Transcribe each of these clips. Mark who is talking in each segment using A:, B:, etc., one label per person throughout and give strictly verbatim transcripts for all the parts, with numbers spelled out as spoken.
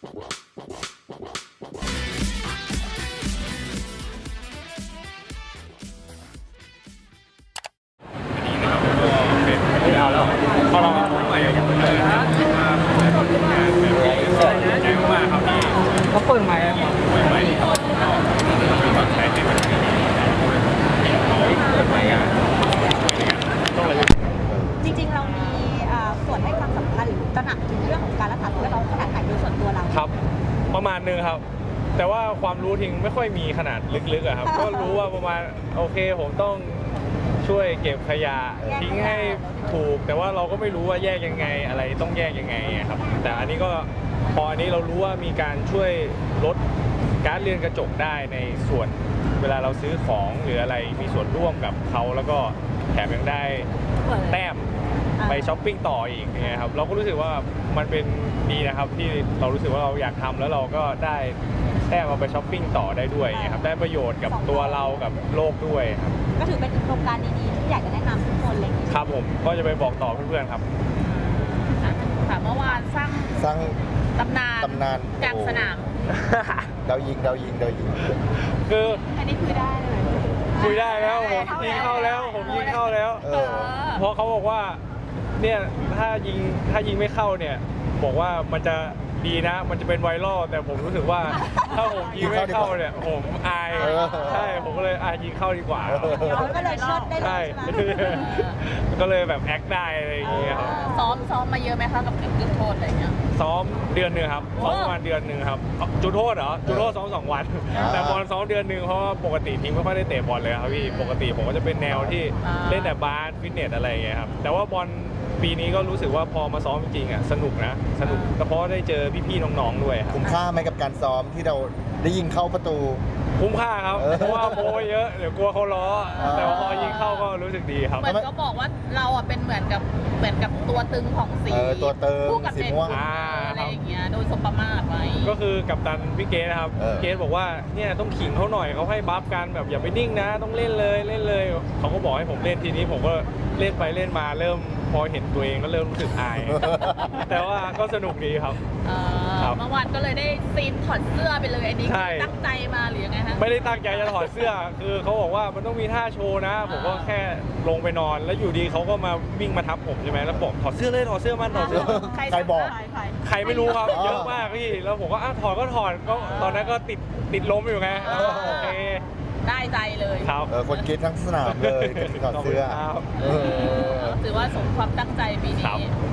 A: เอาแล้วพอเราใหม่อย่างเดิมนะมาแบบงานแบบนี้ใจมากครับที่เขาเปิดใหม่เปิดใหม่ครับก็มีความใช้ในมันดีเขาเปิดใหม่งานต้องเลย
B: จริงๆเรามีส่วนให้ความสำคัญหรือตระหนักถึงเรื่องของการรักษาสิ่งแวดล้อมขนาดไหนโดยส่วนตัวเรา
A: ครับประมาณนึงครับแต่ว่าความรู้ทิ้งไม่ค่อยมีขนาดลึกๆอะครับก็รู้ว่าประมาณโอเคผมต้องช่วยเก็บขยะทิ้งให้ถูกแต่ว่าเราก็ไม่รู้ว่าแยกยังไงอะไรต้องแยกยังไงครับแต่อันนี้ก็พออันนี้เรารู้ว่ามีการช่วยลดก๊าซเรือนกระจกได้ในส่วนเวลาเราซื้อของหรืออะไรมีส่วนร่วมกับเขาแล้วก็แถมยังได้แต้มไปช้อปปิ้งต่ออีกเนี่ยครับเราก็รู้สึกว่ามันเป็นดีนะครับที่เรารู้สึกว่าเราอยากทำแล้วเราก็ได้แต้มเอาไปช้อปปิ้งต่อได้ด้วยครับได้ประโยชน์กับตัวเรากับโลกด้วยครับ
B: ก็ถือเป็นโครงการดีๆที่อยากจะแนะนำทุกคนเลย
A: ครับผมก็จะไปบอกต่อเพื่อนๆครับ
C: ค่ะเมื่อวานสร้าง
D: สร้าง
C: ตำนาน
D: ตำนาน
C: กลางสนาม
D: ดาวยิงดาวยิงดาวยิง
A: คือ
C: อันนี้คุยได้เลย
A: คุยได้แล้วผมยิงเข้าแล้วผมยิงเข้าแล้วเพราะเขาบอกว่าเนี่ยถ้ายิงถ้ายิงไม่เข้าเนี่ยบอกว่ามันจะดีนะมันจะเป็นไวรัลแต่ผมรู้สึกว่าถ้าผมยิงไม่เข้าเนี่ยผมอายใช่ผมก็เลยอ่ะยิงเข้าดีกว่า
B: ก็เลยเชิดได้เลยใช่ไหม
A: ก็เลยแบบแอคได้อะไรอย่างเงี้ยครับ
C: ซ้อมซ้อมมาเยอะไหมคะกับจุดโทษอะไรเงี้ย
A: ซ้อมเดือนหนึ่งครับซ้อมประมาณเดือนหนึ่งครับจุดโทษเหรอจุดโทษซ้อมสองวันแต่บอลซ้อมเดือนหนึ่งเพราะว่าปกติทีมไม่ค่อยได้เตะบอลเลยครับพี่ปกติผมก็จะเป็นแนวที่เล่นแต่บาสฟิตเนสอะไรอย่างเงี้ยครับแต่ว่าบอลปีนี้ก็รู้สึกว่าพอมาซ้อมจริงๆอ่ะสนุกนะสนุกเพราะได้เจอพี่ๆน้องๆด้วย
D: คุ้มค่าไหมกับการซ้อมที่เราได้ยิงเข้าประตู
A: คุ้มค่าครับเพราะว่าโมเยอะเดี๋ยวกลัวเขาล้อแต่พอยิงเข้าก็รู้สึกดีครับ
C: เหมือนก็บอกว่าเราอ่ะเป็นเหมือนกับเหมือนกับตัวตึงของสี
D: ตัวเติม
C: สีม่วงอะไรอย่างเงี้ยโดยสมประมาทไว้
A: ก็คือกัปตันพี่เกสนะครับเกสบอกว่าเนี่ยต้องขิงเขาหน่อยเขาให้บัฟกันแบบอย่าไปนิ่งนะต้องเล่นเลยเล่นเลยเขาก็บอกให้ผมเล่นทีนี้ผมก็เล่นไปเล่นมาเริ่มพอเห็นตัวเองก็เริ่มรู้สึกอายแต่ว่าก็สนุกดีครับ
C: เมื่อวานก็เลยได้ซีนถอดเสื้อไปเลยอันนี้ตั้งใจมาหรือยังไงฮะ
A: ไม่ได้ตั้งใจจะถอดเสื้อคือเขาบอกว่ามันต้องมีท่าโชว์นะผมก็แค่ลงไปนอนแล้วอยู่ดีเขาก็มาวิ่งมาทับผมใช่ไหมแล้วบอกถอดเสื้อเลยถอดเสื้อมันถอดเสื้อ
D: ใครบอก
A: ใครไม่รู้ครับเยอะมากพี่แล้วผมก็อ่ะถอดก็ถอดก็ตอนนั้นก็ติดติดล้มอยู่ไงโอเค
C: ได้ใจเลย
A: ครับ
D: คนคิดทั้งสนามเลยถอดเสื้อ
C: ถือว่าสมความตั้งใจปีนี้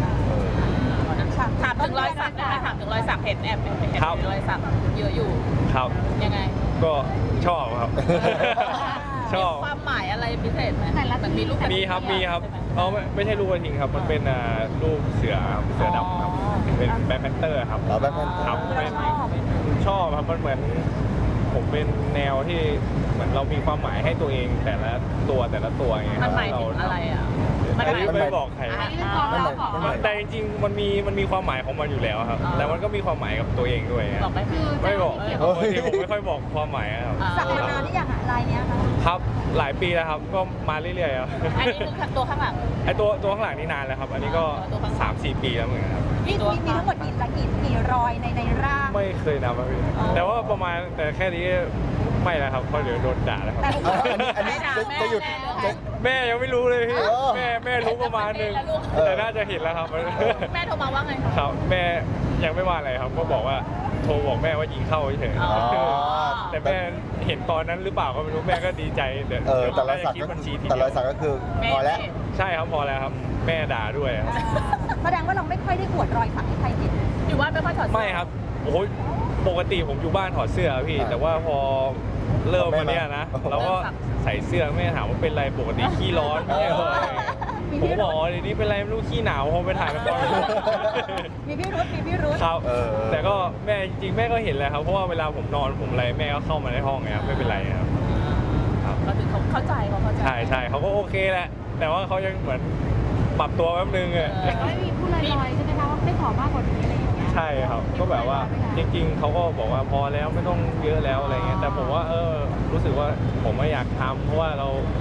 C: ถามถึงรอยสักนะคะถามถึงรอยสักเห็นแอบเห็นรอยสักเยอะอยู่
A: ครับ
C: ยังไง
A: ก็ชอบครับชอบ
C: ความหมายอะไรพิเศษไหมมันมีรูป
A: มีครับมีครับอ๋อไม่ไม่ใช่รูปกระทิงครับมันเป็นรูปเสือเสือดำครับเป็นแบ็คแพนเตอร์ครับ
D: แบ็คแพนเตอร์
A: ครับชอบครับมันเหมือนผมเป็นแนวที่เหมือนเรามีความหมายให้ตัวเองแต่ละตัวแต่ละตัวไง
C: มันหมายถึงอะไรอ่ะ
A: มันไม่บอกใครแต่จริงๆมันมีมันมีความหมายของมันอยู่แล้วครับแต่มันก็มีความหมายกับตัวเองด้วย
C: บอกไม่คือ
A: ไม่บอกปกติผมไม่ค่อยบอกความหมายครับ
B: สักมานานหรือยังอะลายเนี้ยครับ
A: ครับหลายปีแล้วครับก็มาเรื่อยๆครับ
C: อันนี้คือตัวข้างหลัง
A: ไอตัวตัวข้างหลังนี่นานแล้วครับอันนี้ก็สามสี่ปีแล้วเหมือนกันครับ
B: มีมีทั้งหมดกี่กี่กี่รอยในในร่าง
A: ไม่เคยนับครับพี่แต่ว่าประมาณแต่แค่นี้ไม่แล้วครับเพราะเดี๋ยวโดนด่าแล้วครับ
D: อันนี้จะหยุด
A: แม่ยังไม่รู้เลยพี่แม่แม่รู้ประมาณนึงแต่น่าจะเห็นแล้วครับ
C: แม่โทรมาว่าไง
A: ครับแม่ยังไม่ว่าอะไรครับก็บอกว่าโทรบอกแม่ว่ายิงเข้าเฉยแต่แม่เห็นตอนนั้นหรือเปล่าก็ไม่รู้แม่ก็ดีใจเดี๋ยว
D: แต่รอยสักก็แต่รอยสักก็คือพอแล้ว
A: ใช่ครับพอแล้วครับแม่ด่าด้วย
B: แสดงว่าเราไม่ค่อยได้อวดรอยสักให้ใครเห็น
C: อยู่บ้านไม่ค่อยถอด
A: ไม่ครับโอ้ยปกติผมอยู่บ้านถอดเสื้อพี่แต่ว่าพอเริ่มมาเนี้ยนะเราก็ใส่เสื้อแม่ถามว่าเป็นไรปกติขี้ร้อนไม่ใช่เหรอผมบอกเดี๋ยวนี้เป็นไรไม่รู้ขี้หนาวพอไปถ่ายละคร
B: มีพี่รุ้มีพี่รุ้
A: ครับแต่ก็แม่จริงแม่ก็เห็นแหละครับเพราะว่าเวลาผมนอนผมอะไรแม่ก็เข้ามาในห้องไงครับไม่เป็นไรครับ
C: ก็ถึงเขาเข้าใจเขาเข้าใจ
A: ใช่ใช่เขาก็โอเคแหละแต่ว่าเขายังเหมือนปรับตัวแป๊บนึงอ่ะ
B: ไม่มีผู้ลอยๆใช่ไหมคะว่าไม่ขอมากกว่านี้อะไรอย่างเงี้ย
A: ใช่ครับก็แบบว่าจริงๆเขาก็บอกว่าพอแล้วไม่ต้องเยอะแล้วอะไรเงี้ยแต่ผมว่าเออรู้สึกว่าผมไม่อยากทำเพราะว่าเรา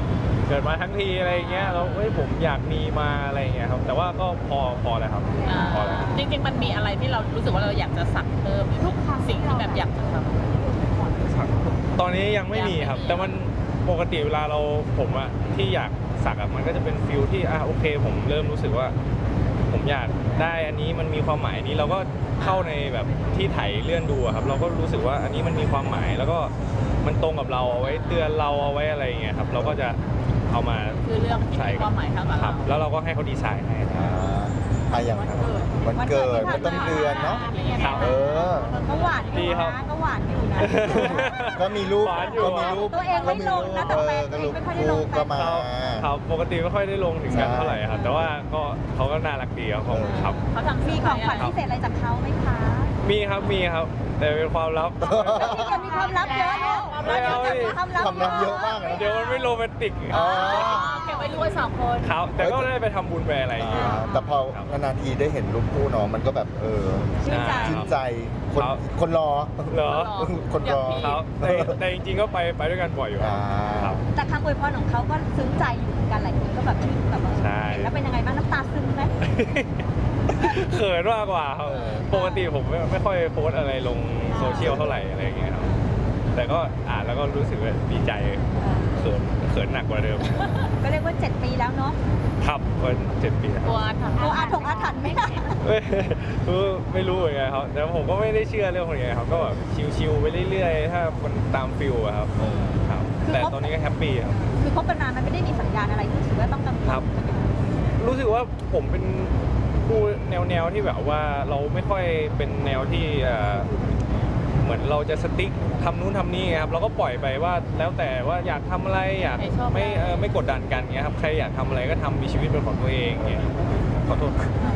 A: เกิดมาทั้งทีอะไรอย่างเงี้ยแล้วเฮ้ยผมอยากมีมาอะไรอย่างเงี้ยครับแต่ว่าก็พอพอแล้วครับ
C: อ่า
A: พอแล้ว
C: จริงๆมันมีอะไรที่เรารู้สึกว่าเราอยากจะสักเพิ่มหรือทุกสิ่งที่แบบอยากจะทำ
A: ตอนนี้ยังไม่มีครับ
C: ยังไม่มี
A: แต่มันปกติเวลาเราผมอะที่อยากสักอะมันก็จะเป็นฟิลที่อ่ะโอเค ผมเริ่มรู้สึกว่า ผมอยากได้อันนี้มันมีความหมายนี้เราก็เข้าในแบบที่ไถเลื่อนดูอะครับ เราก็รู้สึกว่าอันนี้มันมีความหมายแล้วก็มันตรงกับเราเอาไว้เตือนเราเอาไว้อะไรอย่างเงี้ยครับ เราก็จะเอามา
C: คือเรื่องที่มีความหมายทั้งหมด
A: ครับ แล้วเราก็ให้เขาดีไซน์ให้
D: อ่าอ่ะอย่างวันเกิดมันต้นเดือนเนาะ
A: ครับ
D: เออ
B: ก็หวานอยู่
A: ดีครับ
B: นะก็หวานอยู่นะ
D: ก็มีรูป
A: หวานอยู่
D: ก็มีรูป
B: ตัวเองไม่ลงนะแต่
D: เอ
B: แฟ
D: อน ก็รูป
B: ไม่ค่อยได้ล
D: คู่
B: ง
D: ก็มา
A: ครับครับปกติไม่ค่อยได้ลงถึงกัน
D: ใช่
A: เท่าไหร่ครับ แต่ว่าก็เขาก็น่ารักดีครับผมครับ
C: เขาทำ
B: มี
C: มี
B: ของขวัญพิเศษอะไรจากเขาไหมคะ
A: มีครับมีครับ แต่เป็นความลับ
B: นี่จะมีความลับเยอะเนาะ
A: ไม่เอาดิ
B: ความลับ
D: ความลับเยอะมากเลย
A: เดี๋ยวมันไม่โรแมนติก
D: อ๋อ
C: เก็บไว้ด้วยสองคน
A: ครับ แต่ก็ได้ไปทำบุญไปอะไรอย่างเงี้ย
D: อ่าแต่พอนานๆทีได้เห็นรูปคู่เนาะมันก็แบบเออ
B: ชื่นใจ
D: ชื่นใจคน
A: ครับ
D: คนรอ
A: เหรอ
D: คนรอ
A: ครับแต่แต่จริงๆก็ไปไปด้วยกันบ่อยอยู่
D: อ่า
A: ครับ
B: แต่คำอวยพรของเขาก็ซึ้งใจอยู่เหมือนกันหลายคนก็แบบชื่นแบบว่า
A: ใช่
B: เห็นแล้วเป็นยังไงบ้างน้ำตาซึมไหม
A: เขินมากกว่าครับ
D: เออ
A: ปกติผมไม่ไม่ค่อยโพสต์อะไรลงโซเชียลเท่าไหร่อะไรอย่างเงี้ยครับ แต่ก็อ่านแล้วก็รู้สึกว่าดีใจเขินเขินหนักกว่าเดิม
B: ก็เรียกว่าเจ็ดปีแล้วเนาะ
A: ครับเป็นเจ็ดปีแล้ว
C: กลัวทำ
B: โออาถงอาถรรพ์ไหมล่ะ
A: ไม่ไม่รู้เหมือนกันครับ แต่ผมก็ไม่ได้เชื่อเรื่องพวกนี้ครับ ก็แบบชิวๆไปเรื่อยๆ ถ้ามันตามฟิลอะครับครับ แต่ตอนนี้ก็แฮปปี้ครับ
B: คือคบกันนานมันไม่ได้มีสัญญาณอะไรที่รู้สึกว่าต้องกังวล
A: ครับ รู้สึกว่าผมเป็นผู้แนวแนวๆที่แบบว่าเราไม่ค่อยเป็นแนวที่เอ่อเหมือนเราจะสติ๊กทำนู้นทำนี่ครับ เราก็ปล่อยไปว่าแล้วแต่ว่าอยากทำอะไรอยากไม่เออไม่กดดันกันเงี้ยครับ ใครอยากทำอะไรก็ทำมีชีวิตเป็นของตัวเองเงี้ยขอโทษ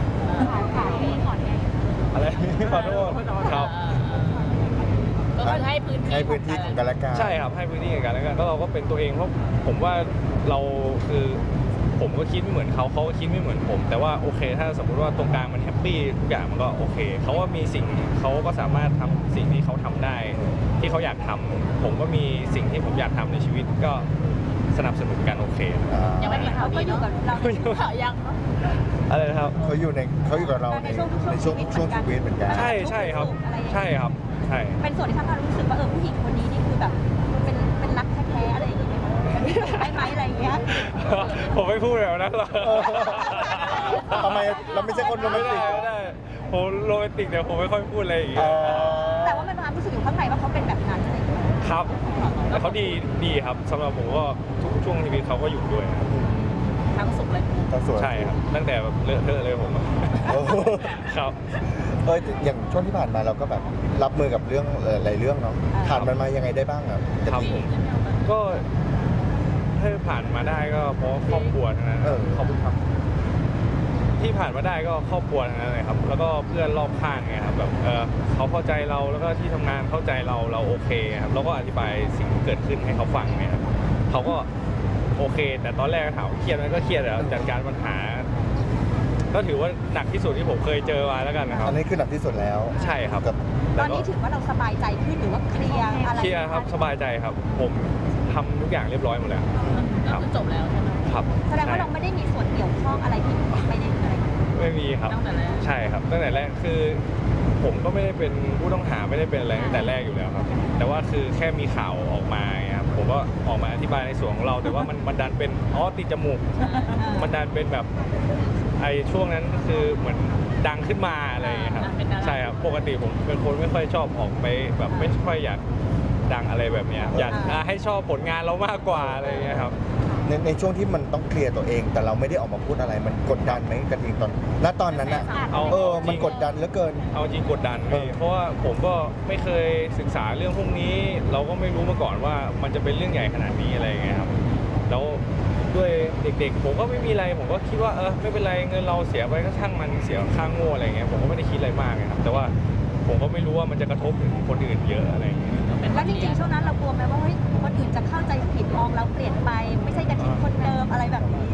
A: อะไร ขอโทษครับ
C: ก็คือให้พื้นที่
D: ให้พื้นที่ของกันและกัน
A: ใช่ครับให้พื้นที่กับกันแล้วกันแล้วเราก็เป็นตัวเองเพราะผมว่าเราคือผมก็คิดไม่เหมือนเขาเขาก็คิดไม่เหมือนผม แต่ว่าโอเค ถ้าสมมติว่าตรงกลางมันแฮปปี้ทุกอย่างมันก็โอเคเขาว่ามีสิ่งเขาก็สามารถทำสิ่งที่เขาทำได้ ที่เขาอยากทำผมก็มีสิ่งที่ผมอยากทำในชีวิตก็สนับสนุนกันโอเค
D: อ่า
C: ยังไม่มีข่าว
B: ก็
C: ดี
B: อยู่
C: เนาะ
B: กับเรา
C: ข่าวยังเนาะ
A: อะไรนะครับ
D: เขาอยู่ในเขาอยู่กับเราในในช่วงช่วงชีวิตเหมือนกัน
A: ใช่ใช่ครับ ใช่ครับใช่
B: เป็นส่วนที่ทำให้เรารู้สึกว่าเออผู้หญิงคนนี้นี่คือแบบเป็นเป็นรักแท้ๆอะไรอย่างเงี้ยได้ไหมอะไรอย่างเงี้ย
A: ผมไม่พูดแบบนั้นหรอก
D: ทำไมเราไม่ใช่คนโรแม
A: ไม่
D: น
A: ได้
D: ติก
A: ไม่ได้ผมโรแมนติกแต่ผมไม่ค่อยพูดอะไรอย่างเงี้
D: อ๋
A: ย
D: อ
B: แต่ว่ามันความรู้สึกอยู่ข้างในว่าเขาเป็นแบบนั้นอะไรอย่างเงี้ย
A: ครับแต่เขาดีดีครับสำหรับผมก็ทุกช่วงชีวิตเขาก็อยู่ด้วยครับ
C: ทั้งสุขเลย
D: ทั้งสวย
A: ใช่ครับตั้งแต่แบบเลอะเทอะเลยผมอะ
D: โอ้
A: ครับ
D: เอออย่างช่วงที่ผ่านมาเราก็แบบรับมือกับเรื่องหลายเรื่องเนาะผ่านมันมายังไงได้บ้างอ่ะ
A: ครับ
D: พี่
A: ผมก็ถ้าผ่านมาได้ก็เพราะครอบครัวทั้งนั้น
D: เออ
A: ขอบคุณครับ ที่ผ่านมาได้ก็ครอบครัวทั้งนั้นเลยครับ แล้วก็เพื่อนรอบข้างไงครับแบบเออเขาเข้าใจเราแล้วก็ที่ทำงานเข้าใจเราเราโอเคครับแล้วก็อธิบายสิ่งที่เกิดขึ้นให้เขาฟังเนี่ยครับเขาก็โอเค แต่ตอนแรกถามว่าเครียดไหมก็เครียดแล้วจัดการปัญหา ก็ถือว่าหนักที่สุดที่ผมเคยเจอมาแล้วกันนะครับ
D: อันนี้คือหนักที่สุดแล้ว
A: ใช่ครับ
D: กับ
B: ตอนนี้ถือว่าเราสบายใจขึ้นหรือว่าเคลียร์อะไร
A: เคลียร์ครับสบายใจครับ ผมทำทุกอย่างเรียบร้อยหมดแล้ว
C: ก็คือจบแล้วใช่ไหม
A: ครับ
B: แสดงว่าเราไม่ได้มีส่วนเกี่ยวข้องอะไรที่ไม่ได้อะไร
A: ไม่มีครับ
C: ตั้งแต่แรก
A: ใช่ครับตั้งแต่แรกคือ ผมก็ไม่ได้เป็นผู้ต้องหาไม่ได้เป็นอะไรตั้งแต่แรกอยู่แล้วครับ แต่ว่าคือแค่มีข่าวออกมาไงครับผมก็ออกมาอธิบายในส่วนของเรา แต่ว่ามันมันดันเป็นอ๋อติดจมูก มันดันเป็นแบบไอ้ช่วงนั้นคือเหมือนดังขึ้นมาอะไรอย่างเงี้ยครับใช่ครับปกติผมเป็นคนไม่ค่อยชอบออกไปแบบไม่ค่อยอยากดังอะไรแบบเนี้ยอยากอ่าให้ชอบผลงานเรามากกว่าอะไรอย่างเงี้ยครับ
D: ในในช่วงที่มันต้องเคลียร์ตัวเอง แต่เราไม่ได้ออกมาพูดอะไรมันกดดันไหมกระทิงตอนณตอนนั้นอ่ะ
A: เอา
D: เออ
A: จริง
D: มันกดดันเหลือเกิน
A: เอาจริงกดดัน
D: เอ
A: พี่
D: อ
A: เพราะว่าผมก็ไม่เคยศึกษาเรื่องพวกนี้ เราก็ไม่รู้มาก่อนว่ามันจะเป็นเรื่องใหญ่ขนาดนี้อะไรอย่างเงี้ยครับแล้วด้วยเด็กๆ ผมก็ไม่มีอะไรผมก็คิดว่าเออไม่เป็นไรเงินเราเสียไปก็ช่างมันเสียค่างโง่อะไรอย่างเงี้ยผมก็ไม่ได้คิดอะไรมากนะครับแต่ว่าผมก็ไม่รู้ว่ามันจะกระทบถึงคนอื่นเยอะอะไรอย่างเงี้ย
B: แล้วจริงๆช่วงนั้นเรากลัวไหมว่าเฮ้ยคนอื่นจะเข้าใจผิดมองเราเปลี่ยนไป ไม่ใช่กระทิงคนเดิมอะไรแบบนี้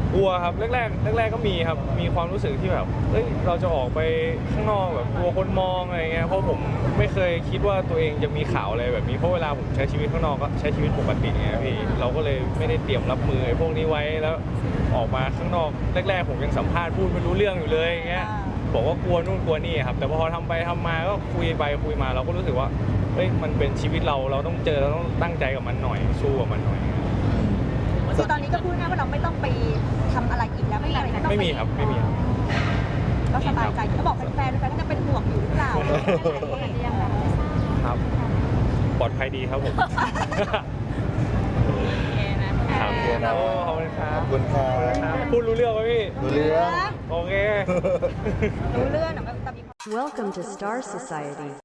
A: กลัวครับแรกๆแรกๆก็มีครับมีความรู้สึกที่แบบเอ้ยเราจะออกไปข้างนอกแบบกลัวคนมองอะไรเงี้ยเพราะผมไม่เคยคิดว่าตัวเองจะมีข่าวอะไรแบบนี้เพราะเวลาผมใช้ชีวิตข้างนอกก็ใช้ชีวิตปกติไงพี่เราก็เลยไม่ได้เตรียมรับมือไอ้พวกนี้ไว้แล้วออกมาข้างนอกแรกๆผมยังสัมภาษณ์พูดไม่รู้เรื่องอยู่เลยอย่างเงี้ยบอกว่ากลัวนู่นกลัวนี่ครับแต่พอทำไปทำมาก็คุยไปคุยมาเราก็รู้สึกว่าเฮ้ยมันเป็นชีวิตเราเราต้องเจอเราต้องตั้งใจกับมันหน่อยสู้กับมันหน่อย
B: คือตอนนี้ก็พูดง่ายว่าเราไม่ต้องไปทำอะไรอีกแล้วไม่มีอะไรที่ต้อง
A: ไม่
B: ป
A: มีครับไม่มีครับ
B: ก็สบายใจเขาบอกแฟนๆแฟนๆก็จะเป็นห่วงอยู่หรือเปล่า
A: ครับปลอดภัยดีครับผม
C: โอเคนะครับ
D: โอเคนะ
A: โอ้ขอบคุณครั
D: ข
A: บ
D: อบคุณครับ
A: ครับพูดรู้เรื่องไหมพี่
D: รู้เรื่อง
A: โอเค
B: รู้เรื่องอะมันจะมี
E: Welcome to Star Society.